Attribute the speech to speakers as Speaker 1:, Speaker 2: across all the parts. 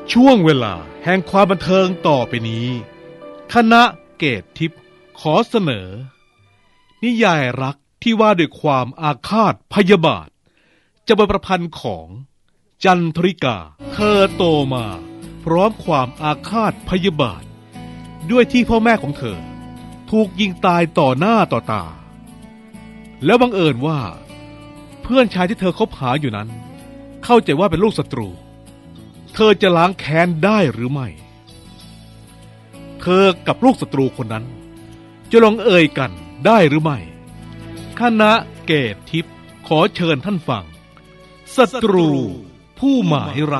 Speaker 1: ช่วงเวลาแห่งความบันเทิงต่อไปนี้ คณะเกตทิพย์ขอเสนอ นิยายรักที่ว่าด้วยความอาฆาตพยาบาทจะเป็นประพันธ์ของจันทริกาเธอโตมาพร้อมความอาฆาตพยาบาทด้วยที่พ่อแม่ของเธอถูกยิงตายต่อหน้าต่อตาแล้วบังเอิญว่าเพื่อนชายที่เธอคบหาอยู่นั้นเข้าใจว่าเป็นลูกศัตรูเธอจะล้างแค้นได้หรือไม่เธอกับลูกศัตรูคนนั้นจะลงเอ่ยกันได้หรือไม่คณะเกตทิพย์ขอเชิญท่านฟังศัตรูผู้หมายรัก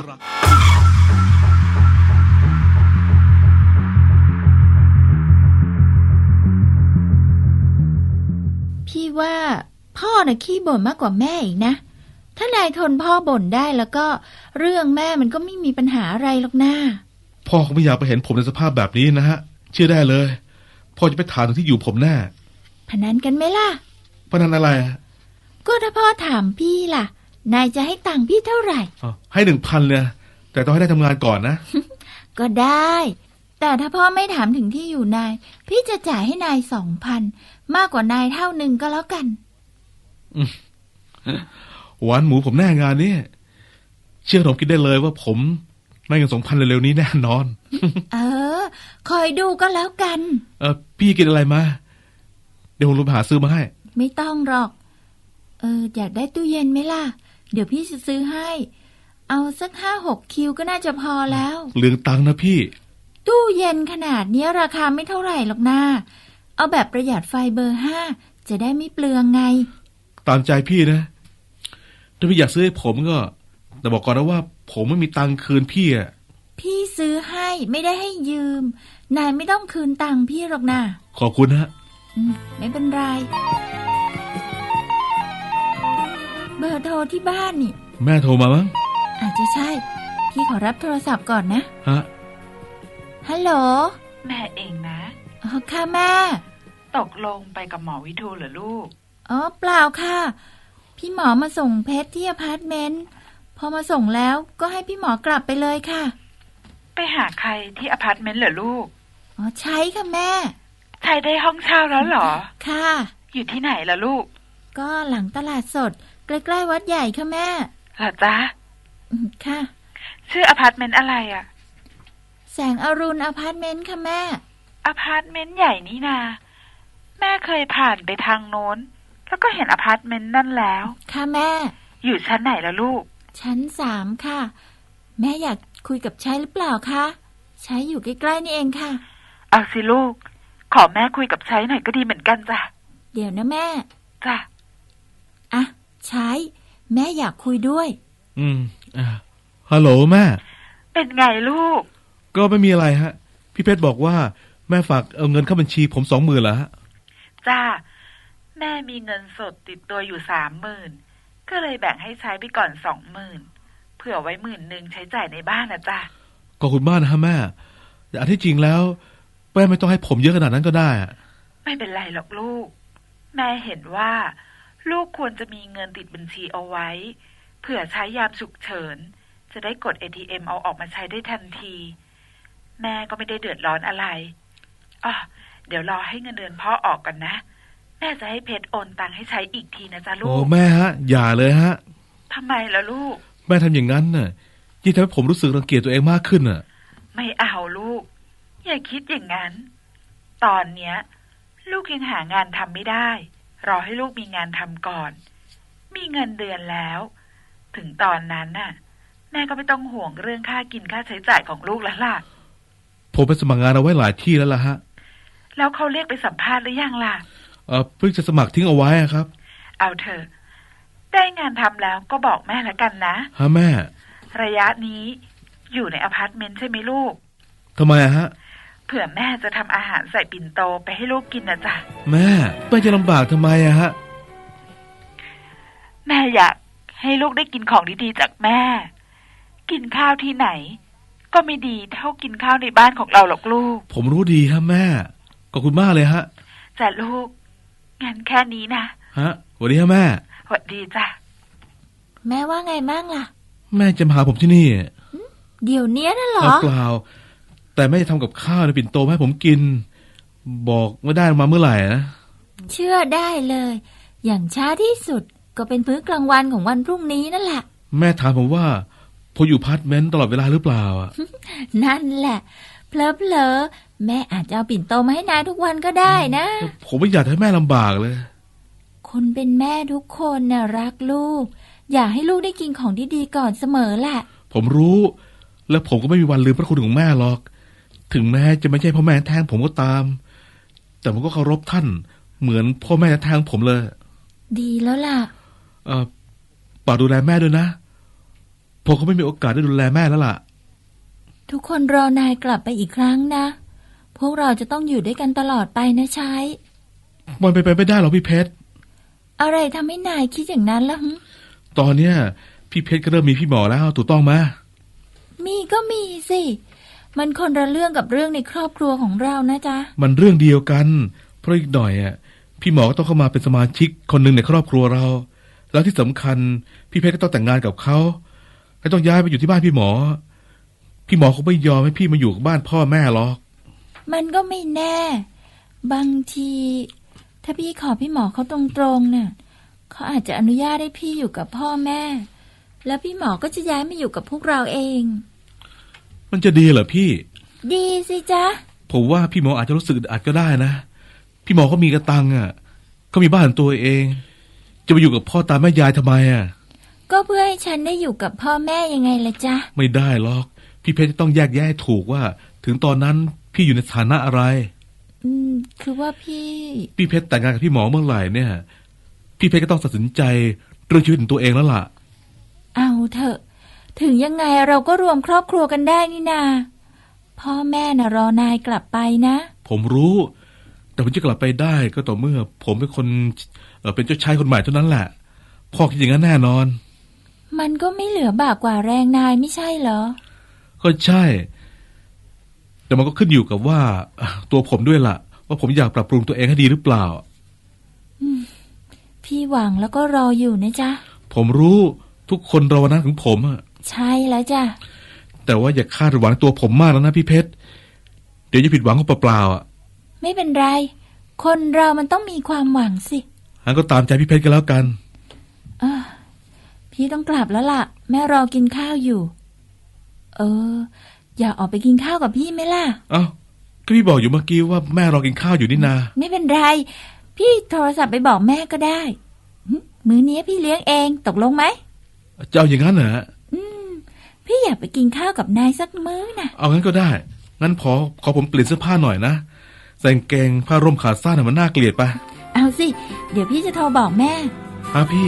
Speaker 2: พี่ว่าพ่อน่ะขี้บ่นมากกว่าแม่อีกนะถ้านายทนพ่อบ่นได้แล้วก็เรื่องแม่มันก็ไม่มีปัญหาอะไรหรอกนะ
Speaker 1: พ่อคงไม่อยากไปเห็นผมในสภาพแบบนี้นะฮะเชื่อได้เลยพ่อจะไปถามถึงที่อยู่ผมแน่
Speaker 2: พนันกันไหมล่ะ
Speaker 1: พนันอะไร
Speaker 2: ก็ถ้าพ่อถามพี่ล่ะนายจะให้ตังค์พี่เท่าไหร่
Speaker 1: ให้ 1,000 เลยแต่ต้องให้ได้ทำงานก่อนนะ
Speaker 2: ก็ได้แต่ถ้าพ่อไม่ถามถึงที่อยู่นายพี่จะจ่ายให้นาย 2,000 มากกว่านายเท่านึงก็แล้วกัน
Speaker 1: หวานหมูผมแน่งานนี้เชื่อผมคิดได้เลยว่าผมได้เงิน 2,000 เร็วๆนี้แน่นอน
Speaker 2: คอยดูก็แล้วกัน
Speaker 1: พี่กินอะไรมาเดี๋ยวผมลงไปหาซื้อมาให้
Speaker 2: ไม่ต้องหรอกอยากได้ตู้เย็นไหมล่ะเดี๋ยวพี่จะซื้อให้เอาสัก 5-6 คิวก็น่าจะพอแล้ว
Speaker 1: เหลืองตังค์นะพี่
Speaker 2: ตู้เย็นขนาดนี้ราคาไม่เท่าไหร่หรอกนะเอาแบบประหยัดไฟเบอร์ 5จะได้ไม่เปลืองไง
Speaker 1: ตามใจพี่นะถ้าพี่อยากซื้อให้ผมก็แต่บอกก่อนนะว่าผมไม่มีตังค์คืนพี่อ่ะ
Speaker 2: พี่ซื้อให้ไม่ได้ให้ยืมนายไม่ต้องคืนตังค์พี่หรอกนะ
Speaker 1: ขอบคุณฮะ
Speaker 2: ไม่เป็นไรเบอร์โทรที่บ้านนี่
Speaker 1: แม่โทรมามั้ง
Speaker 2: อาจจะใช่พี่ขอรับโทรศัพท์ก่อนนะ
Speaker 1: ฮะ
Speaker 2: ฮัลโหล
Speaker 3: แม่เองนะ
Speaker 2: ค่ะแม่
Speaker 3: ตกลงไปกับหมอวิทูลเหรอลูก
Speaker 2: เปล่าค่ะพี่หมอมาส่งเพชรที่อพาร์ตเมนต์พอมาส่งแล้วก็ให้พี่หมอกลับไปเลยค่ะ
Speaker 3: ไปหาใครที่อพาร์ตเมนต์เหรอลูก
Speaker 2: ใช่ค่ะแม่
Speaker 3: ใช่ได้ห้องเช่าแล้วเหรอ
Speaker 2: ค่ะ
Speaker 3: อยู่ที่ไหนล่ะลูก
Speaker 2: ก็หลังตลาดสดใกล้ๆวัดใหญ่ค่ะแม่
Speaker 3: เหรอจ๊ะ
Speaker 2: ค่ะ
Speaker 3: ชื่ออพาร์ตเมนต์อะไรอ่ะ
Speaker 2: แสงอรุณอพาร์ตเมนต์ค่ะแม่
Speaker 3: อพาร์ตเมนต์ใหญ่นี่นาแม่เคยผ่านไปทางโน้นแล้วก็เห็นอพาร์ตเมนต์นั่นแล้ว
Speaker 2: ค่ะแม่
Speaker 3: อยู่ชั้นไหนล่ะลูก
Speaker 2: ชั้น 3ค่ะแม่อยากคุยกับชัยหรือเปล่าคะชัยอยู่ใกล้ๆนี่เองค่ะ
Speaker 3: เอาสิลูกขอแม่คุยกับชัยหน่อยก็ดีเหมือนกันจ้ะ
Speaker 2: เดี๋ยวนะแม่
Speaker 3: จ้ะ
Speaker 2: ชัยแม่อยากคุยด้วย
Speaker 1: ฮัลโหลแม่
Speaker 3: เป็นไงลูก
Speaker 1: ก็ไม่มีอะไรฮะพี่เพชรบอกว่าแม่ฝากเอาเงินเข้าบัญชีผม 20,000แล้วฮะ
Speaker 3: จ้าแม่มีเงินสดติดตัวอยู่ 30,000ก็เลยแบ่งให้ใช้ไปก่อน 20,000เผื่อไว้10,000ใช้จ่ายในบ้านนะจ้ะ
Speaker 1: ขอบคุณมากนะฮะแม่แต่อันที่จริงแล้วแม่ไม่ต้องให้ผมเยอะขนาดนั้นก็ได้
Speaker 3: ไม่เป็นไรหรอกลูกแม่เห็นว่าลูกควรจะมีเงินติดบัญชีเอาไว้เผื่อใช้ยามฉุกเฉินจะได้กด ATM เอาออกมาใช้ได้ทันทีแม่ก็ไม่ได้เดือดร้อนอะไรเดี๋ยวรอให้เงินเดือนพ่อออกก่อนนะแม่จะให้เพชรโอนตังค์ให้ใช้อีกทีนะจ๊ะลูก
Speaker 1: โอ้แม่ฮะอย่าเลยฮะ
Speaker 3: ทำไมล่ะลูก
Speaker 1: แม่ทำอย่างนั้นน่ะยิ่งทำให้ผมรู้สึกรังเกียจตัวเองมากขึ้นน่ะ
Speaker 3: ไม่เอาลูกอย่าคิดอย่างนั้นตอนเนี้ยลูกยังหางานทำไม่ได้รอให้ลูกมีงานทำก่อนมีเงินเดือนแล้วถึงตอนนั้นน่ะแม่ก็ไม่ต้องห่วงเรื่องค่ากินค่าใช้จ่ายของลูกแล้วล่ะ
Speaker 1: ผมไปสมัครงานเอาไว้หลายที่แล้วล่ะฮะ
Speaker 3: แล้วเขาเรียกไปสัมภาษณ์หรือยังล่ะ
Speaker 1: เพิ่งจะสมัครทิ้งเอาไว้ครับ
Speaker 3: เอาเถอะได้งานทำแล้วก็บอกแม่ละกันนะ
Speaker 1: ฮะแม่
Speaker 3: ระยะนี้อยู่ในอพาร์ตเมนต์ใช่ไหมลูก
Speaker 1: ทำไมฮะ
Speaker 3: เผื่อแม่จะทำอาหารใส่ปิ่นโตไปให้ลูกกินนะจ๊ะ
Speaker 1: แม่จะลำบากทำไมฮะ
Speaker 3: แม่อยากให้ลูกได้กินของดีๆจากแม่กินข้าวที่ไหนก็ไม่ดีเท่ากินข้าวในบ้านของเราหรอกลูก
Speaker 1: ผมรู้ดีครับแม่ขอบคุณมากเลยฮะ
Speaker 3: จ้ะลูกงั้นแค่นี้นะ
Speaker 1: ฮะสวัสดีครับแม่
Speaker 3: สวัสดีจ้ะ
Speaker 2: แม่ว่าไงบ้างล่ะ
Speaker 1: แม่จะมาหาผมที่นี่
Speaker 2: เดี๋ยวนี้น่ะเหรอ
Speaker 1: เปล่าแต่แม่จะทำกับข้าวในปิ่นโตมาให้ผมกิน บอกไม่ได้มาเมื่อไหร่นะ
Speaker 2: เชื่อได้เลย อย่างช้าที่สุดก็เป็นมื้อกลางวันของวันพรุ่งนี้นั่นแหละ
Speaker 1: แม่ถามผมว่าผมอยู่พาร์ทเมนต์ตลอดเวลาหรือเปล่าอะ
Speaker 2: นั่นแหละเพลอๆแม่อาจจะเอาปิ่นโตมาให้นายทุกวันก็ได้นะ
Speaker 1: ผมไม่อยากให้แม่ลำบากเลย
Speaker 2: คนเป็นแม่ทุกคนน่ะรักลูก อยากให้ลูกได้กินของดีๆก่อนเสมอแหละ
Speaker 1: ผมรู้ และผมก็ไม่มีวันลืมพระคุณของแม่หรอก ถึงแม้จะไม่ใช่พ่อแม่แท้งผมก็ตาม แต่ผมก็เคารพท่าน เหมือนพ่อแม่แท้งผมเลย
Speaker 2: ดีแล้วล่ะ
Speaker 1: ฝากดูแลแม่ด้วยนะผมก็ไม่มีโอกาสได้ดูแลแม่แล้วล่ะ
Speaker 2: ทุกคนรอนายกลับไปอีกครั้งนะ พวกเราจะต้องอยู่ด้วยกันตลอดไปนะชาย
Speaker 1: มันไปไม่ได้หรอกพี่เพชร
Speaker 2: อะไรทำให้นายคิดอย่างนั้นล่ะหึ
Speaker 1: ตอนเนี้ยพี่เพชรก็เริ่มมีพี่หมอแล้วถูกต้องไหม
Speaker 2: มีก็มีสิ มันคนละเรื่องกับเรื่องในครอบครัวของเรานะจ๊ะ
Speaker 1: มันเรื่องเดียวกัน เพราะอีกหน่อยอ่ะพี่หมอก็ต้องเข้ามาเป็นสมาชิกคนหนึ่งในครอบครัวเรา แล้วที่สำคัญพี่เพชรก็ต้องแต่งงานกับเขาและต้องย้ายไปอยู่ที่บ้านพี่หมอ พี่หมอคงไม่ยอมให้พี่มาอยู่กับบ้านพ่อแม่หรอก
Speaker 2: มันก็ไม่แน่ บางที ถ้าพี่ขอพี่หมอเขาตรงๆเนี่ยเขาอาจจะอนุญาตให้พี่อยู่กับพ่อแม่ แล้วพี่หมอก็จะย้ายมาอยู่กับพวกเราเอง
Speaker 1: มันจะดีเหรอพี่
Speaker 2: ดีสิจ๊ะ
Speaker 1: ผมว่าพี่หมออาจจะรู้สึกอึดอัดก็ได้นะพี่หมอเขามีกระตังอ่ะเขามีบ้านของตัวเอง จะไปอยู่กับพ่อตาแม่ยายทำไมอ่ะ
Speaker 2: ก็เพื่อให้ฉันได้อยู่กับพ่อแม่ยังไงล่ะจ๊ะ
Speaker 1: ไม่ได้หรอกพี่เพชรจะต้องแยกแยะให้ถูกว่า ถึงตอนนั้นพี่อยู่ในฐานะอะไร
Speaker 2: คือว่าพี่
Speaker 1: พี่เพชรแต่งงานกับพี่หมอเมื่อไหร่เนี่ยพี่เพชรก็ต้องตัดสินใจเรื่องชีวิตของตัวเองแล้วล่ะ
Speaker 2: เอาเถอะ ถึงยังไงเราก็รวมครอบครัวกันได้นี่นาพ่อแม่น่ะรอนายกลับไปนะ
Speaker 1: ผมรู้ แต่ผมจะกลับไปได้ก็ต่อเมื่อ ผมเป็นคนเป็นเจ้าชายคนใหม่เท่านั้นแหละพ่อคิดอย่างนั้นแน่นอน
Speaker 2: มันก็ไม่เหลือบากกว่าแรงนายไม่ใช่เหรอ
Speaker 1: ก็ใช่ แต่มันก็ขึ้นอยู่กับว่าตัวผมด้วยล่ะ ว่าผมอยากปรับปรุงตัวเองให้ดีหรือเปล่า
Speaker 2: พี่หวังแล้วก็รออยู่นะจ๊ะ
Speaker 1: ผมรู้ทุกคนรอวันนั้นของผมอะ
Speaker 2: ใช่แล้วจ้ะ
Speaker 1: แต่ว่าอย่าคาดหวังตัวผมมากแล้วนะพี่เพชรเดี๋ยวจะผิดหวังก็เปล่าๆอ่ะ
Speaker 2: ไม่เป็นไร คนเรามันต้องมีความหวังสิ
Speaker 1: งั้นก็ตามใจพี่เพชรกันแล้วกัน
Speaker 2: พี่ต้องกลับแล้วล่ะ แม่รอกินข้าวอยู่ อยากออกไปกินข้าวกับพี่ไหมล่ะ
Speaker 1: เอ้าก็พี่บอกอยู่เมื่อกี้ว่าแม่รอกินข้าวอยู่นี่นา
Speaker 2: ไม่เป็นไร พี่โทรศัพท์ไปบอกแม่ก็ได้มื้อนี้พี่เลี้ยงเองตกลงไหม
Speaker 1: จะเอาอย่างนั้นเหรอ
Speaker 2: พี่อยากไปกินข้าวกับนายสักมื้อน่ะ
Speaker 1: เอางั้นก็ได้ งั้นขอผมเปลี่ยนเสื้อผ้าหน่อยนะใส่กางเกงผ้าร่มขาสั้นมันน่าเกลียดไป
Speaker 2: เอาสิ เดี๋ยวพี่จะโทรบอกแม่
Speaker 1: พี่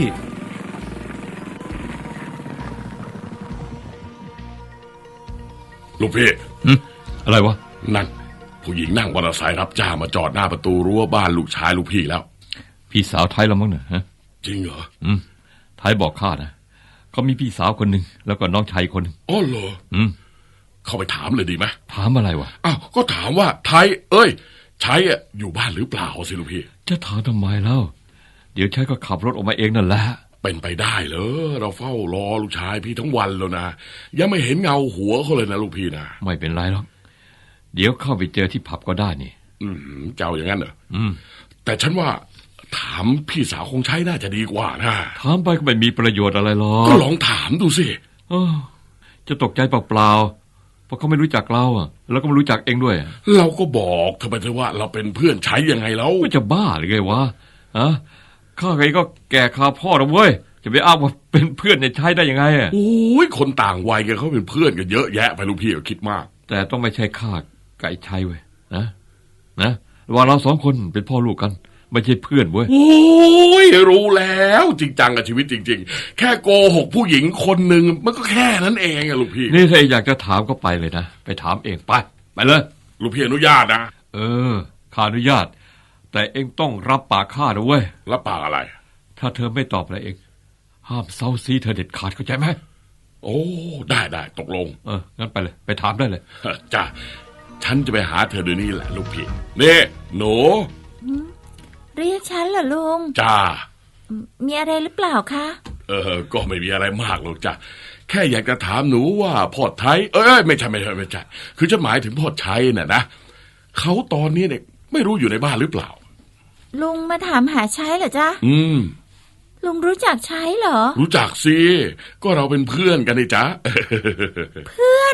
Speaker 4: ลูกพี่
Speaker 5: อะไรวะ
Speaker 4: นั่นผู้หญิงนั่งมอเตอร์ไซค์รับจ้างมาจอดหน้าประตูรั้วบ้านลูกชายลูกพี่แล้ว
Speaker 5: พี่สาวไทยแล้วมั้งเนี่ยฮะ
Speaker 4: จริงเหรอ
Speaker 5: ไทยบอกข้านะเขามีพี่สาวคนหนึ่งแล้วก็น้องชายคนหนึ่ง
Speaker 4: อ๋อเหรอ เข้าไปถามเลยดีไหม
Speaker 5: ถามอะไรวะ
Speaker 4: อ้าวก็ถามว่าไทยใช้อยู่บ้านหรือเปล่าสิลูกพี่
Speaker 5: จะถามทำไมเล่าเดี๋ยวชายก็ขับรถออกมาเองนั่นแหละ
Speaker 4: เป็นไปได้เหรอเราเฝ้ารอลูกชายพี่ทั้งวันแล้วนะยังไม่เห็นเงาหัวเขาเลยนะลูกพี่นะ
Speaker 5: ไม่เป็นไรหรอกเดี๋ยวเข้าไปเจอที่ผับก็ได้นี่
Speaker 4: เจ้าอย่างนั้นเหรอ แต่ฉันว่าถามพี่สาวคงใช้น่าจะดีกว่านะ
Speaker 5: ถามไปก็ไม่มีประโยชน์อะไรหรอก
Speaker 4: ก็ลองถามดูสิ
Speaker 5: จะตกใจเปล่าๆเพราะเขาไม่รู้จักเราอ่ะแล้วก็ไม่รู้จักเองด้วย
Speaker 4: เราก็บอกเธอไปเถอะว่าเราเป็นเพื่อนใช้ยังไงแล้ว
Speaker 5: ไม่จะบ้าหรือไงวะข้าเองก็แก่คาพ่อแล้วเว้ยจะไปอ้างว่าเป็นเพื่อนในใช้ได้ยังไงอ่ะ
Speaker 4: โอ้ยคนต่างวัยกันเขาเป็นเพื่อนกันเยอะแยะไปลูกพี่ก็คิดมาก
Speaker 5: แต่ต้องไม่ใช่ข้าไก่ชัยเว้ยนะว่าเราสองคนเป็นพ่อลูกกันไม่ใช่เพื่อนเว้ย
Speaker 4: โอ้ยรู้แล้วจริงจังกับชีวิตจริงๆแค่โกหกผู้หญิงคนหนึ่งมันก็แค่นั้นเองอะลูกพี่
Speaker 5: นี่ถ้าอยากจะถามก็ไปเลยนะไปถามเองไปเลย
Speaker 4: ลูกพี่อนุญาตนะ
Speaker 5: ข้าอนุญาตแต่เองต้องรับปากข้าด้วยเว้ย
Speaker 4: รับปากอะไร
Speaker 5: ถ้าเธอไม่ตอบอะไรเองห้ามเซาซีเธอเด็ดขาดเข้าใจไหม
Speaker 4: โอ้ได้ตกลง
Speaker 5: งั้นไปเลยไปถามได้เลย
Speaker 4: จ้ะฉันจะไปหาเธอเดี๋ยวนี้แหละลูกพี่นี่หนู
Speaker 2: เรียกฉันเหรอลุง
Speaker 4: จ้า
Speaker 2: มีอะไรหรือเปล่าคะ
Speaker 4: ก็ไม่มีอะไรมากหรอกจ้ะแค่อยากจะถามหนูว่าพ่อไทยไม่ใช่คือจะหมายถึงพ่อชัยน่ะนะเขาตอนนี้เนี่ยไม่รู้อยู่ในบ้านหรือเปล่า
Speaker 2: ลุงมาถามหาชัยเหรอจ๊ะลุงรู้จักชัยเหรอ
Speaker 4: รู้จักสิก็เราเป็นเพื่อนกันนี่จ๊ะ
Speaker 2: เพื่อน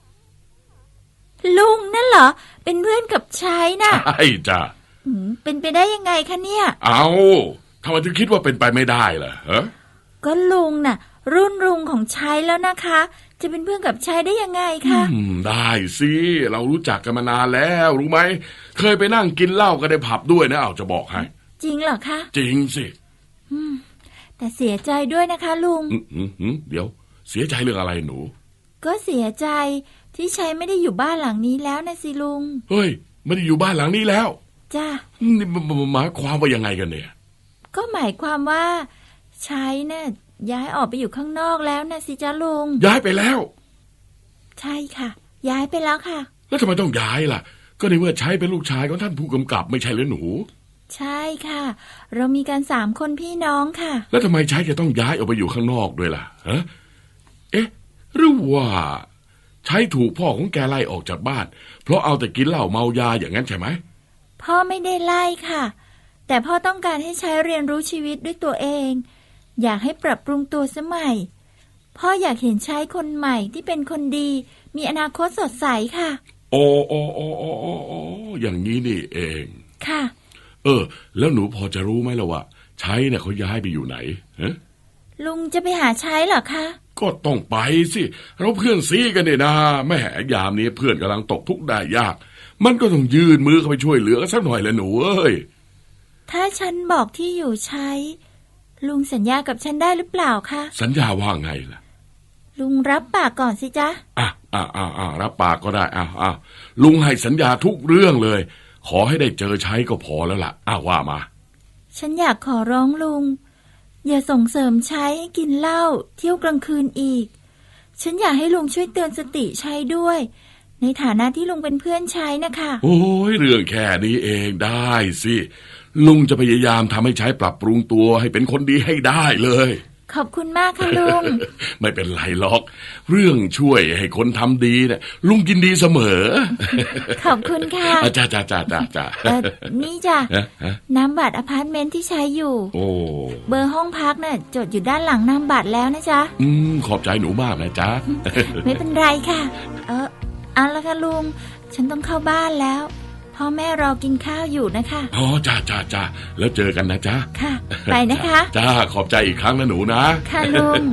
Speaker 2: ลุงนั่นเหรอเป็นเพื่อนกับชัยน่ะ
Speaker 4: ใช่จ้ะ
Speaker 2: เป็นไปได้ยังไงคะเนี่ย
Speaker 4: เอาทำไมถึงคิดว่าเป็นไปไม่ได้ล่ะฮะ
Speaker 2: ก็ลุงน่ะรุ่นลุงของชัยแล้วนะคะจะเป็นเพื่อนกับชัยได้ยังไงคะ
Speaker 4: ได้สิเรารู้จักกันมานานแล้วรู้ไหมเคยไปนั่งกินเหล้ากันในผับด้วยนะจะบอกให้
Speaker 2: จริงเหรอคะ
Speaker 4: จริงสิ
Speaker 2: แต่เสียใจด้วยนะคะลุง
Speaker 4: เดี๋ยวเสียใจเรื่องอะไรหนู
Speaker 2: ก็เสียใจที่ชัยไม่ได้อยู่บ้านหลังนี้แล้วนะสิลุง
Speaker 4: เฮ้ยไม่ได้อยู่บ้านหลังนี้แล้ว
Speaker 2: จ้า
Speaker 4: นี่หมายความว่ายังไงกันเนี่ย
Speaker 2: ก็หมายความว่าชัยน่ะย้ายออกไปอยู่ข้างนอกแล้วนะสิจ้าลุง
Speaker 4: ย้ายไปแล้ว
Speaker 2: ใช่ค่ะย้ายไปแล้วค่ะ
Speaker 4: แล้วทำไมต้องย้ายล่ะก็ในเมื่อชัยเป็นลูกชายของท่านผู้กำกับไม่ใช่หรือหนู
Speaker 2: ใช่ค่ะเรามีกัน3 คนพี่น้องค่ะ
Speaker 4: แล้วทำไมชัยจะต้องย้ายออกไปอยู่ข้างนอกด้วยล่ะฮะหรือว่าชัยถูกพ่อของแกไล่ออกจากบ้านเพราะเอาแต่กินเหล้าเมายาอย่างนั้นใช่ไหม
Speaker 2: พ่อไม่ได้ไล่ค่ะแต่พ่อต้องการให้ชัยเรียนรู้ชีวิตด้วยตัวเองอยากให้ปรับปรุงตัวสมัยพ่ออยากเห็นชัยคนใหม่ที่เป็นคนดีมีอนาคตสดใสค่ะ
Speaker 4: โอ้อย่างนี้นี่เอง
Speaker 2: ค่ะ
Speaker 4: แล้วหนูพอจะรู้ไหมล่ะว่าชัยเนี่ยเขาย้ายไปอยู่ไหนฮะ
Speaker 2: ลุงจะไปหาชัยเหรอคะ
Speaker 4: ก็ต้องไปสิเราเพื่อนซีกันเนี่ยนะแม่ยามนี้เพื่อนกำลังตกทุกข์ได้ยากมันก็ต้องยื่นมือเข้าไปช่วยเหลือกันสักหน่อยแหละหนูเอ้ย
Speaker 2: ถ้าฉันบอกที่อยู่ชัยลุงสัญญากับฉันได้หรือเปล่าคะ
Speaker 4: สัญญาว่าไงล่ะ
Speaker 2: ลุงรับปากก่อนสิจ๊ะ
Speaker 4: รับปากก็ได้ลุงให้สัญญาทุกเรื่องเลยขอให้ได้เจอชัยก็พอแล้วล่ะว่ามา
Speaker 2: ฉันอยากขอร้องลุงอย่าส่งเสริมชัยให้กินเหล้าเที่ยวกลางคืนอีกฉันอยากให้ลุงช่วยเตือนสติชัยด้วยในฐานะที่ลุงเป็นเพื่อนชัยนะคะ
Speaker 4: โอ้ยเรื่องแค่นี้เองได้สิลุงจะพยายามทำให้ชัยปรับปรุงตัวให้เป็นคนดีให้ได้เลย
Speaker 2: ขอบคุณมากค่ะลุง
Speaker 4: ไม่เป็นไรหรอกเรื่องช่วยให้คนทำดีเนี่ยลุงยินดีเสมอ
Speaker 2: ขอบคุณค่ะ
Speaker 4: จ้า
Speaker 2: นี่จ้ะนามบัตรอพาร์ตเมนต์ที่ใช้อยู่เบอร์ห้องพักน่ะจดอยู่ด้านหลังนามบัตรแล้วนะจ๊ะ
Speaker 4: ขอบใจหนูมากนะจ๊ะ
Speaker 2: ไม่เป็นไรค่ะเอาละค่ะลุงฉันต้องเข้าบ้านแล้วพ่อแม่รอกินข้าวอยู่นะคะ
Speaker 4: จ้าแล้วเจอกันนะจ๊ะ
Speaker 2: ค่ะไปนะคะ
Speaker 4: จ้าขอบใจอีกครั้งนะหนูนะ
Speaker 2: ค่ะลุง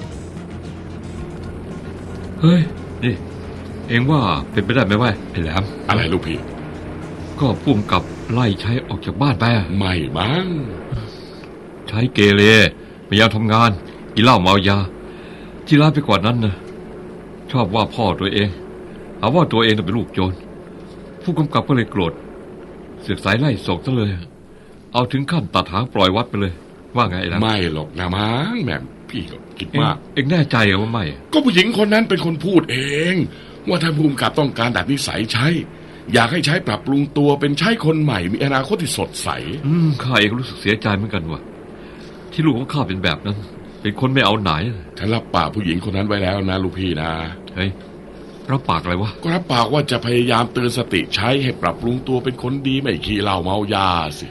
Speaker 5: เฮ้ยนี่เอ็งว่าเป็นไปได้ไหมวะไอ้แหลม
Speaker 4: อะไรลูกพี่
Speaker 5: ก็พุ่มกับไล่ชัยออกจากบ้านไป
Speaker 4: ไม่มั้ง
Speaker 5: ชัยเกเรไม่ยอมทำงานกินเหล้าเมายาที่ร้ายไปกว่านั้นนะชอบว่าพ่อตัวเองหาว่าตัวเองเป็นลูกโจรผู้กำกับก็เลยโกรธเสือกสายไล่ส่งซะเลยเอาถึงขั้นตัดหางปล่อยวัดไปเลยว่าไงล่ะ
Speaker 4: ไม่หรอกนะมั้งแม่พี่ก็คิดมาก
Speaker 5: เอ็งแน่ใจเหรอว่าไม่
Speaker 4: ก็ผู้หญิงคนนั้นเป็นคนพูดเองว่าถ้าผู้กำกับต้องการดัดนิสัยใช้อยากให้ใช้ปรับปรุงตัวเป็นใช้คนใหม่มีอนาคตที่สดใส
Speaker 5: ข้าเองรู้สึกเสียใจเหมือนกันว่ะที่ลูกของข้าเป็นแบบนั้นเป็นคนไม่เอาไหน
Speaker 4: ฉันรับปากผู้หญิงคนนั้นไว้แล้วนะลูกพี่นะ
Speaker 5: เฮ้ยรับปากอะไรวะ
Speaker 4: ก็รับปากว่าจะพยายามเตือนสติใช้ให้ปรับปรุงตัวเป็นคนดีไม่ขี้เหล้าเมายาสิ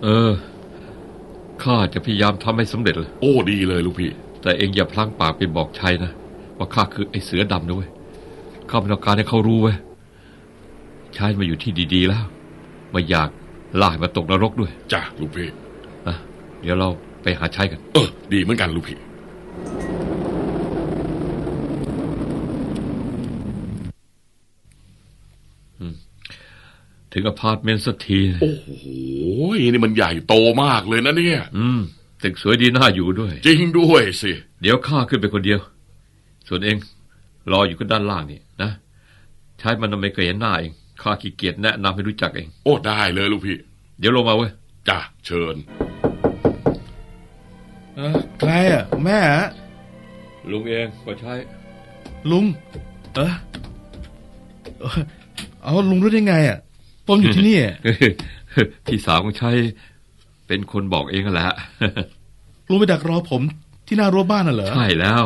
Speaker 5: ข้าจะพยายามทำให้สำเร็จเลย
Speaker 4: โอ้ดีเลยลูกพี่
Speaker 5: แต่เองอย่าพลั้งปากไปบอกชัยนะว่าข้าคือไอ้เสือดำนะเว้ยข้าไม่ต้องการให้เขารู้เว้ยชัยมาอยู่ที่ดีๆแล้วไม่อยากลากมาตกนรกด้วย
Speaker 4: จ้ะลูกพี่
Speaker 5: เดี๋ยวเราไปหาชัยกัน
Speaker 4: ดีเหมือนกันลูกพี่
Speaker 5: ถึงอพาร์ตเมนต์สักที
Speaker 4: โอ้โหนี่มันใหญ่โตมากเลยนะเนี่ย
Speaker 5: ตึกสวยดีน่าอยู่ด้วย
Speaker 4: จริงด้วยสิ
Speaker 5: เดี๋ยวข้าขึ้นไปคนเดียวส่วนเองรออยู่กันด้านล่างนี่นะใช้มันไม่เคยเห็นหน้าเองข้าขี้เกียจแนะนำให้รู้จักเอง
Speaker 4: โอ้ได้เลยลูกพี่
Speaker 5: เดี๋ยวลงมาเว้ย
Speaker 4: จ้ะเชิญ
Speaker 1: ใครอ่ะแม่
Speaker 5: ลุงเองก็ใช้
Speaker 1: ลุงเอาลุงรู้ได้ไงอ่ะผมอยู่ที่นี่
Speaker 5: พี่สาวของชัยเป็นคนบอกเองแหละ
Speaker 1: ลุงไปดักรอผมที่หน้ารั้วบ้านน่ะเหรอ
Speaker 5: ใช่แล้ว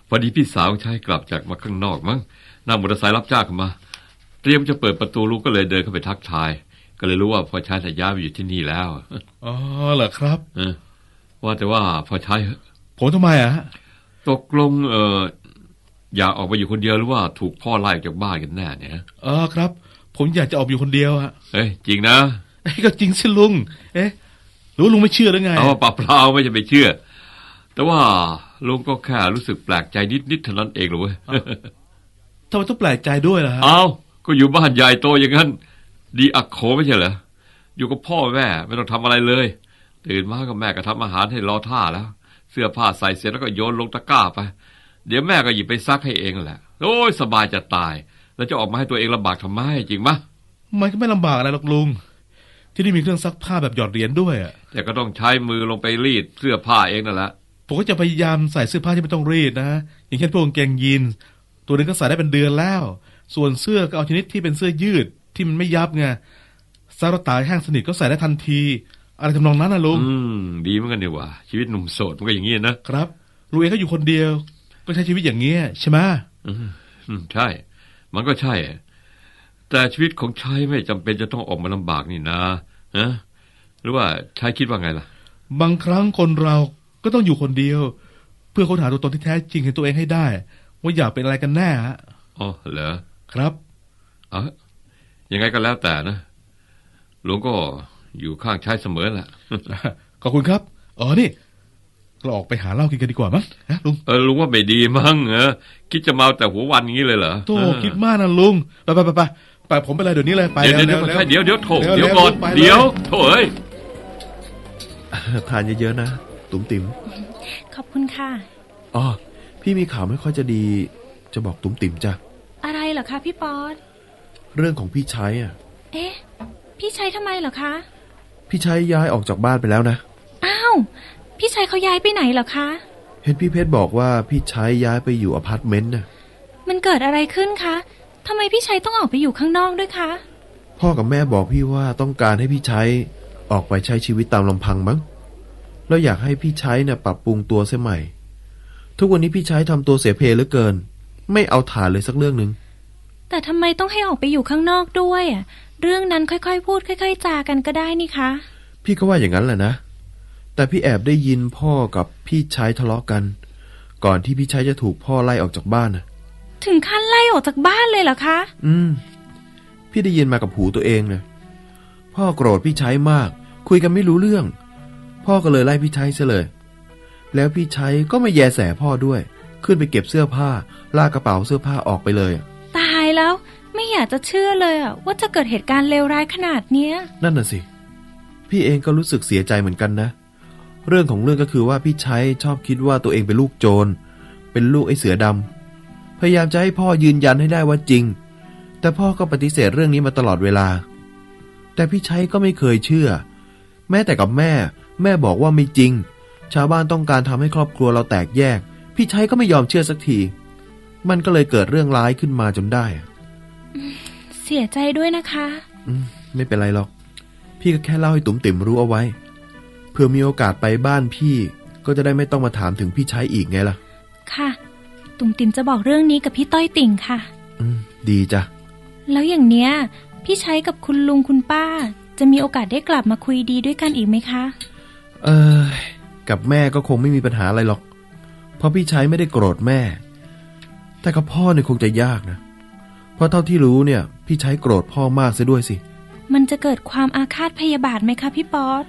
Speaker 5: พอดีพี่สาวใช้กลับจากมาข้างนอกมั้งนั่งมอเตอร์ไซค์รับจ้างเข้ามาเตรียมจะเปิดประตูลูกก็เลยเดินเข้าไปทักทายก็เลยรู้ว่าพอใช้แต่ย้ายไปอยู่ที่นี่แล้ว
Speaker 1: อ๋อเหรอครับ
Speaker 5: ว่าแต่ว่าพอใช้
Speaker 1: ผมทำไมอะฮะ
Speaker 5: ตกลงอยากออกไปอยู่คนเดียวหรือว่าถูกพ่อไล่ออกจากบ้านกันแน่เนี่ย
Speaker 1: ครับ ผมอยากจะออกอยู่คนเดียวฮะ
Speaker 5: เอ้ยจริงนะ
Speaker 1: ก็จริงสิลุงหรือลุงไม่เชื่อหรือไง
Speaker 5: เอาปะเปล่าไม่จะไปเชื่อแต่ว่าลุงก็แค่รู้สึกแปลกใจนิดเท่านั้นเองเหรอเว้ย
Speaker 1: ทำไมต้องแปลกใจด้วยล่ะฮะ
Speaker 5: เอาก็อยู่บ้านใหญ่โตอย่างนั้นดีอักโขไม่ใช่เหรออยู่กับพ่อแม่ไม่ต้องทำอะไรเลยตื่นมาก็แม่ก็ทำอาหารให้รอท่าแล้วเสื้อผ้าใส่เสร็จแล้วก็โยนลงตะกร้าไปเดี๋ยวแม่ก็หยิบไปซักให้เองแหละโอ้ยสบายจะตายแล้วจะออกมาให้ตัวเองลำบากทำไมจริงมะ
Speaker 1: มันก็ไม่ลำบากอะไรหรอกลุงที่นี่มีเครื่องซักผ้าแบบหยอดเหรียญด้วยอะ
Speaker 5: แต่ก็ต้องใช้มือลงไปรีดเสื้อผ้าเองนั่นแหละ
Speaker 1: ผมก็จะพยายามใส่เสื้อผ้าที่ไม่ต้องรีดนะอย่างเช่นพวกกางเกงยีนตัวนึงก็ใส่ได้เป็นเดือนแล้วส่วนเสื้อก็เอาชนิดที่เป็นเสื้อยืดที่มันไม่ยับไงซักแล้วตากแห้งสนิทก็ใส่ได้ทันทีอะไรทำนองนั้นนะลุง
Speaker 5: ดีเหมือนกันดีว่าชีวิตหนุ่มโสดมันก็อย่างนี้นะครับ
Speaker 1: ลุงเองก็อยู่คนเดียวก็ใช้ชีวิตอย่างเงี้ยใช่ไหม
Speaker 5: ใช่มันก็ใช่แต่ชีวิตของชายไม่จำเป็นจะต้องออกมาลำบากนี่นะหรือว่าชายคิดว่าไงล่ะ
Speaker 1: บางครั้งคนเราก็ต้องอยู่คนเดียวเพื่อค้นหาตัวตนที่แท้จริงในตัวเองให้ได้ว่าอยากเป็นอะไรกันแน่ฮะ
Speaker 5: อ๋อเหรอ
Speaker 1: ครับ
Speaker 5: ยังไงก็แล้วแต่นะหลวงก็อยู่ข้างชายเสมอแหละ
Speaker 1: ขอบคุณครับนี่เราออกไปหาเหล้ากินกันดีกว่ามั้งลุง
Speaker 5: ลุงว่าไม่ดีมั้งคิดจะเมาแต่หัววันงี้เลยเหรอ
Speaker 1: โธ่คิดมากนะลุงไปผมไปเลยเดี๋ยวนี้เลยไป
Speaker 5: เดี๋ยวโถเดี๋ยวก่อนเดี๋ยวโถเอ้ย
Speaker 6: ทานเยอะๆนะตุ๋มติ๋ม
Speaker 2: ขอบคุณค่ะ
Speaker 6: พี่มีข่าวไม่ค่อยจะดีจะบอกตุ๋มติ๋มจ้ะ
Speaker 2: อะไรเหรอคะพี่ป๊อด
Speaker 6: เรื่องของพี่ชัย
Speaker 2: พี่ชัยทำไมเหรอคะ
Speaker 6: พี่ชัยย้ายออกจากบ้านไปแล้วนะ
Speaker 2: อ้าวพี่ชัยเขาย้ายไปไหนเหรอคะ
Speaker 6: เห็นพี่เพชรบอกว่าพี่ชัยย้ายไปอยู่อพาร์ตเมนต์น่ะ
Speaker 2: มันเกิดอะไรขึ้นคะทำไมพี่ชัยต้องออกไปอยู่ข้างนอกด้วยคะ
Speaker 6: พ่อกับแม่บอกพี่ว่าต้องการให้พี่ชัยออกไปใช้ชีวิตตามลำพังมั้งแล้วอยากให้พี่ชัยเนี่ยปรับปรุงตัวเสียใหม่ทุกวันนี้พี่ชัยทำตัวเสียเพเหลือเกินไม่เอาฐานเลยสักเรื่องนึง
Speaker 2: แต่ทำไมต้องให้ออกไปอยู่ข้างนอกด้วยเรื่องนั้นค่อยๆพูดค่อยๆจากันก็ได้นี่คะ
Speaker 6: พี่ก็ว่าอย่างนั้นแหละนะแต่พี่แอบได้ยินพ่อกับพี่ชัยทะเลาะกันก่อนที่พี่ชัยจะถูกพ่อไล่ออกจากบ้าน
Speaker 2: ถึงขั้นไล่ออกจากบ้านเลยเหรอคะ
Speaker 6: พี่ได้ยินมากับหูตัวเองนะพ่อโกรธพี่ชัยมากคุยกันไม่รู้เรื่องพ่อก็เลยไล่พี่ชัยซะเลยแล้วพี่ชัยก็ไม่แยแสพ่อด้วยขึ้นไปเก็บเสื้อผ้าลากกระเป๋าเสื้อผ้าออกไปเลย
Speaker 2: ตายแล้วไม่อยากจะเชื่อเลยว่าจะเกิดเหตุการณ์เลวร้ายขนาดเนี้ย
Speaker 6: นั่นน่ะสิพี่เองก็รู้สึกเสียใจเหมือนกันนะเรื่องของเรื่องก็คือว่าพี่ชัยชอบคิดว่าตัวเองเป็นลูกโจรเป็นลูกไอ้เสือดำพยายามจะให้พ่อยืนยันให้ได้ว่าจริงแต่พ่อก็ปฏิเสธเรื่องนี้มาตลอดเวลาแต่พี่ชัยก็ไม่เคยเชื่อแม้แต่กับแม่บอกว่าไม่จริงชาวบ้านต้องการทำให้ครอบครัวเราแตกแยกพี่ชัยก็ไม่ยอมเชื่อสักทีมันก็เลยเกิดเรื่องร้ายขึ้นมาจนได้
Speaker 2: เสียใจด้วยนะคะ
Speaker 6: ไม่เป็นไรหรอกพี่ก็แค่เล่าให้ตุ๋มติ๋มรู้เอาไว้เพื่อมีโอกาสไปบ้านพี่ก็จะได้ไม่ต้องมาถามถึงพี่ชัยอีกไงล่ะ
Speaker 2: ค่ะตุ๋มติ๋มจะบอกเรื่องนี้กับพี่ต้อยติ่งค่ะ
Speaker 6: ดีจ้ะ
Speaker 2: แล้วอย่างเนี้ยพี่ชัยกับคุณลุงคุณป้าจะมีโอกาสได้กลับมาคุยดีด้วยกันอีกไหมคะ
Speaker 6: กับแม่ก็คงไม่มีปัญหาอะไรหรอกเพราะพี่ชัยไม่ได้โกรธแม่แต่กับพ่อเนี่ยคงจะยากนะเพราะเท่าที่รู้เนี่ยพี่ชัยโกรธพ่อมากซะด้วยสิ
Speaker 2: มันจะเกิดความอาฆาตพยาบาทไหมคะพี่ป๊อด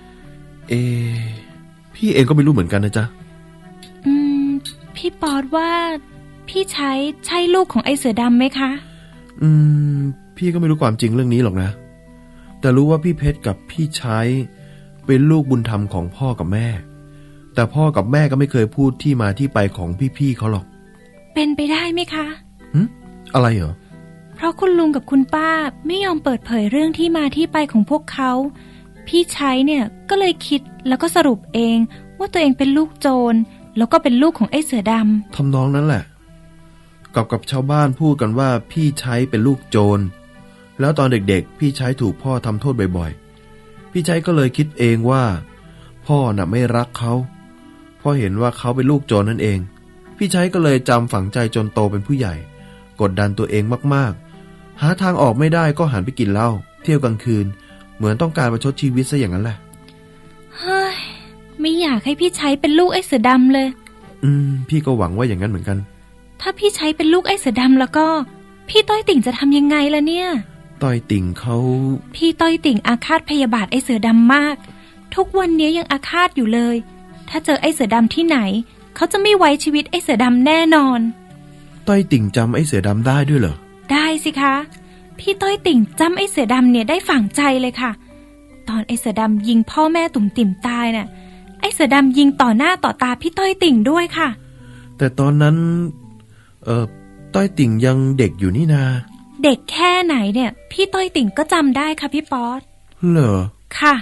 Speaker 6: พี่เองก็ไม่รู้เหมือนกันนะจ๊ะ
Speaker 2: พี่ป๊อดว่าพี่ชัยใช่ลูกของไอ้เสือดำไหมคะ
Speaker 6: พี่ก็ไม่รู้ความจริงเรื่องนี้หรอกนะแต่รู้ว่าพี่เพชรกับพี่ชัยเป็นลูกบุญธรรมของพ่อกับแม่แต่พ่อกับแม่ก็ไม่เคยพูดที่มาที่ไปของพี่ๆเขาหรอก
Speaker 2: เป็นไปได้ไหมคะ
Speaker 6: อะไรเหรอ
Speaker 2: เพราะคุณลุงกับคุณป้าไม่ยอมเปิดเผยเรื่องที่มาที่ไปของพวกเขาพี่ชัยเนี่ยก็เลยคิดแล้วก็สรุปเองว่าตัวเองเป็นลูกโจรแล้วก็เป็นลูกของไอ้เสือดำ
Speaker 6: ทำนองนั้นแหละกับชาวบ้านพูดกันว่าพี่ชัยเป็นลูกโจรแล้วตอนเด็กๆพี่ชัยถูกพ่อทำโทษบ่อยๆพี่ชัยก็เลยคิดเองว่าพ่อน่ะไม่รักเขาเพราะเห็นว่าเขาเป็นลูกโจรนั่นเองพพี่ชัยก็เลยจำฝังใจจนโตเป็นผู้ใหญ่ กดดันตัวเองมากๆหาทางออกไม่ได้ก็หันไปกินเหล้าเที่ยวกลางคืนเหมือนต้องการประชดชีวิตซะอย่างนั้นแหละ
Speaker 7: เฮ้ยไม่อยากให้พี่ชัยเป็นลูกไอ้เสือดำเลย
Speaker 6: พี่ก็หวังว่าอย่างนั้นเหมือนกัน
Speaker 7: ถ้าพี่ชัยเป็นลูกไอ้เสือดำแล้วก็พี่ต้อยติ่งจะทำยังไงล่ะเนี่ย
Speaker 6: ต้อยติ่งเขา
Speaker 7: พี่ต้อยติ่งอาฆาตพยาบาทไอ้เสือดำมากทุกวันนี้ยังอาฆาตอยู่เลยถ้าเจอไอ้เสือดำที่ไหนเขาจะไม่ไว้ชีวิตไอ้เสือดำแน่นอน
Speaker 6: ต้อยติ่งจำไอ้เสือดำได้ด้วยเหรอ
Speaker 7: ได้สิคะพี่ต้อยติ่งจำไอ้เสือดำเนี่ยได้ฝังใจเลยค่ะตอนไอ้เสือดำยิงพ่อแม่ตุ่มติ่มตายน่ะไอ้เสือดำยิงต่อหน้าต่อตาพี่ต้อยติ่งด้วยค่ะ
Speaker 6: แต่ตอนนั้นต้อยติ่งยังเด็กอยู่นี่นา
Speaker 7: เด็กแค่ไหนเนี่ยพี่ต้อยติ่งก็จำได้ค่ะพี่ป๊อต
Speaker 6: เหรอ
Speaker 7: ค่ะ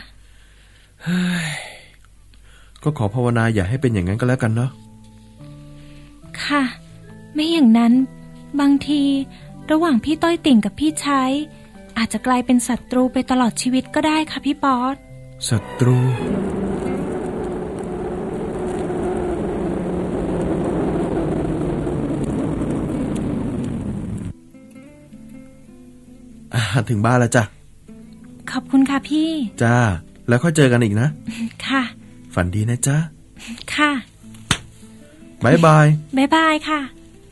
Speaker 6: ก็ขอภาวนาอย่าให้เป็นอย่างนั้นก็แล้วกันเนาะ
Speaker 7: ค่ะไม่อย่างนั้นบางทีระหว่างพี่ต้อยติ่งกับพี่ชัยอาจจะกลายเป็นศัตรูไปตลอดชีวิตก็ได้ค่ะพี่ป๊อต
Speaker 6: ศัตรูถึงบ้านแล้วจ้ะ
Speaker 7: ขอบคุณค่ะพี่
Speaker 6: จ้าแล้วค่อยเจอกันอีกนะ
Speaker 7: ค่ะ
Speaker 6: ฝันดีนะจ๊ะ
Speaker 7: ค่ะ
Speaker 6: บายบาย
Speaker 7: บายบายค่ะ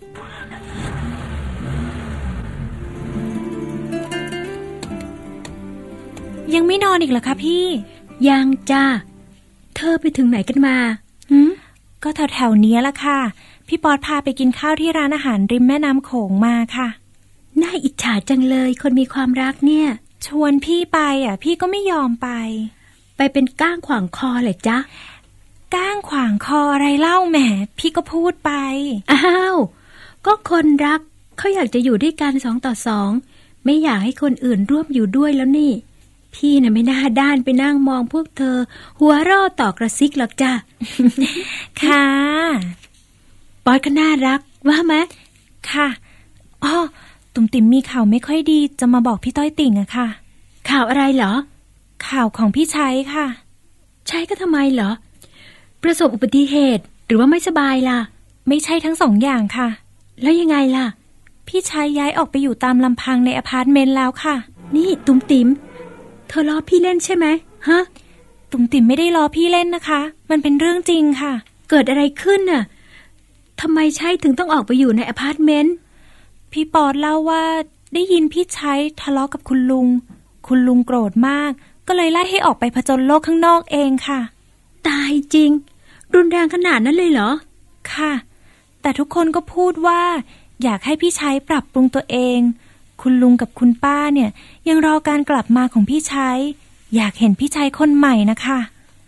Speaker 7: ยังไม่นอนอีกเหรอคะพี่
Speaker 2: ยังจ้าเธอไปถึงไหนกันมา
Speaker 7: ก็แถวๆนี้ละค่ะพี่ป๊อตพาไปกินข้าวที่ร้านอาหารริมแม่น้ำโขงมาค่ะ
Speaker 2: น่าอิจฉาจังเลยคนมีความรักเนี่ย
Speaker 7: ชวนพี่ไปพี่ก็ไม่ยอมไป
Speaker 2: เป็นก้างขวางคอเลยจ๊ะ
Speaker 7: ก้างขวางคออะไรเล่าแหมพี่ก็พูดไป
Speaker 2: อ้าวก็คนรักเขาอยากจะอยู่ด้วยกัน2 ต่อ 2ไม่อยากให้คนอื่นร่วมอยู่ด้วยแล้วนี่พี่น่ะไม่น่าด้านไปนั่งมองพวกเธอหัวเราะต่อกระซิกหรอกจ้ะ
Speaker 7: ค่ะ
Speaker 2: ป๊อตก็น่ารักว่าไหม
Speaker 7: ค่ะอ้อตุ่มติ่มมีข่าวไม่ค่อยดีจะมาบอกพี่ต้อยติ่งอะค่ะ
Speaker 2: ข่าวอะไรเหรอ
Speaker 7: ข่าวของพี่ชัยค่ะ
Speaker 2: ชัยก็ทำไมเหรอประสบอุบัติเหตุหรือว่าไม่สบายล่ะ
Speaker 7: ไม่ใช่ทั้ง2 อย่างค่ะ
Speaker 2: แล้วยังไงล่ะ
Speaker 7: พี่ชัยย้ายออกไปอยู่ตามลำพังในอพาร์ตเมนต์แล้วค่ะ
Speaker 2: นี่ตุ่มติ่มเธอล้อพี่เล่นใช่ไหมฮะ
Speaker 7: ตุ่มติ่มไม่ได้ล้อพี่เล่นนะคะมันเป็นเรื่องจริงค่ะ
Speaker 2: เกิดอะไรขึ้นน่ะทำไมชัยถึงต้องออกไปอยู่ในอพาร์ตเมนต์
Speaker 7: พี่ปอดเล่าว่าได้ยินพี่ชัยทะเลาะกับคุณลุงโกรธมากก็เลยไล่ให้ออกไปผจญโลกข้างนอกเองค่ะ
Speaker 2: ตายจริงรุนแรงขนาดนั้นเลยเหรอ
Speaker 7: ค่ะแต่ทุกคนก็พูดว่าอยากให้พี่ชัยปรับปรุงตัวเองคุณลุงกับคุณป้าเนี่ยยังรอการกลับมาของพี่ชัยอยากเห็นพี่ชัยคนใหม่นะคะ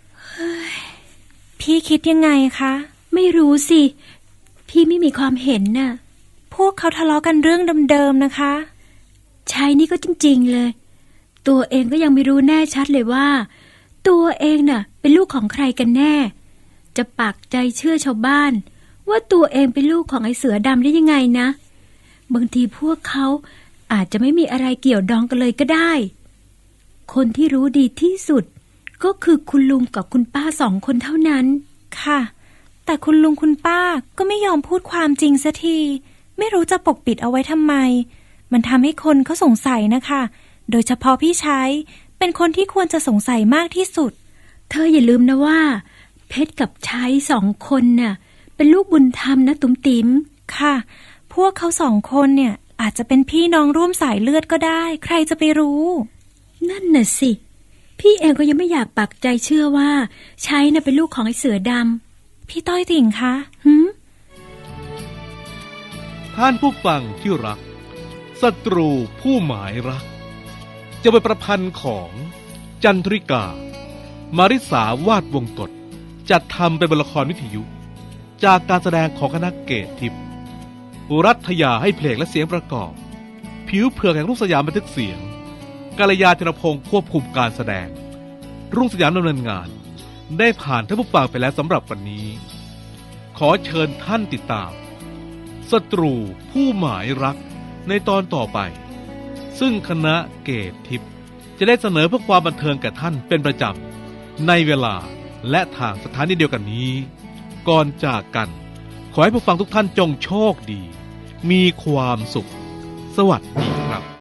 Speaker 7: พี่คิดยังไงคะ
Speaker 2: ไม่รู้สิพี่ไม่มีความเห็นน่ะ
Speaker 7: พวกเขาทะเลาะกันเรื่องเดิมๆนะคะ
Speaker 2: ชัยนี่ก็จริงๆเลยตัวเองก็ยังไม่รู้แน่ชัดเลยว่าตัวเองน่ะเป็นลูกของใครกันแน่จะปักใจเชื่อชาวบ้านว่าตัวเองเป็นลูกของไอ้เสือดำได้ยังไงนะบางทีพวกเขาอาจจะไม่มีอะไรเกี่ยวดองกันเลยก็ได้คนที่รู้ดีที่สุดก็คือคุณลุงกับคุณป้า2 คนเท่านั้น
Speaker 7: ค่ะแต่คุณลุงคุณป้าก็ไม่ยอมพูดความจริงสักทีไม่รู้จะปกปิดเอาไว้ทำไมมันทำให้คนเขาสงสัยนะคะโดยเฉพาะพี่ชัยเป็นคนที่ควรจะสงสัยมากที่สุด
Speaker 2: เธออย่าลืมนะว่าเพชรกับชัย2 คนน่ะเป็นลูกบุญธรรมนะตุ๋มติ๋ม
Speaker 7: ค่ะพวกเขา2 คนเนี่ยอาจจะเป็นพี่น้องร่วมสายเลือดก็ได้ใครจะไปรู้
Speaker 2: นั่นน่ะสิพี่เองก็ยังไม่อยากปักใจเชื่อว่าชัยน่ะเป็นลูกของไอ้เสือด
Speaker 7: ำพี่ต้อยติ่งคะ
Speaker 1: ท่านผู้ฟังที่รักศัตรูผู้หมายรักจะเป็นประพันธ์ของจันทริกามาริสาวาดวงกฎจัดทำเป็นละครวิทยุจากการแสดงของคณะเกตทิพย์รัฐยาให้เพลงและเสียงประกอบผิวเผือกแห่งรุ่งสยามบันทึกเสียงกาลยาธนพงศ์ควบคุมการแสดงรุ่งสยามดำเนินงานได้ผ่านท่านผู้ฟังไปแล้วสำหรับวันนี้ขอเชิญท่านติดตามศัตรูผู้หมายรักในตอนต่อไปซึ่งคณะเกตทิพย์จะได้เสนอเพื่อความบันเทิงแก่ท่านเป็นประจำในเวลาและทางสถานีเดียวกันนี้ก่อนจากกันขอให้ผู้ฟังทุกท่านจงโชคดี มีความสุข สวัสดี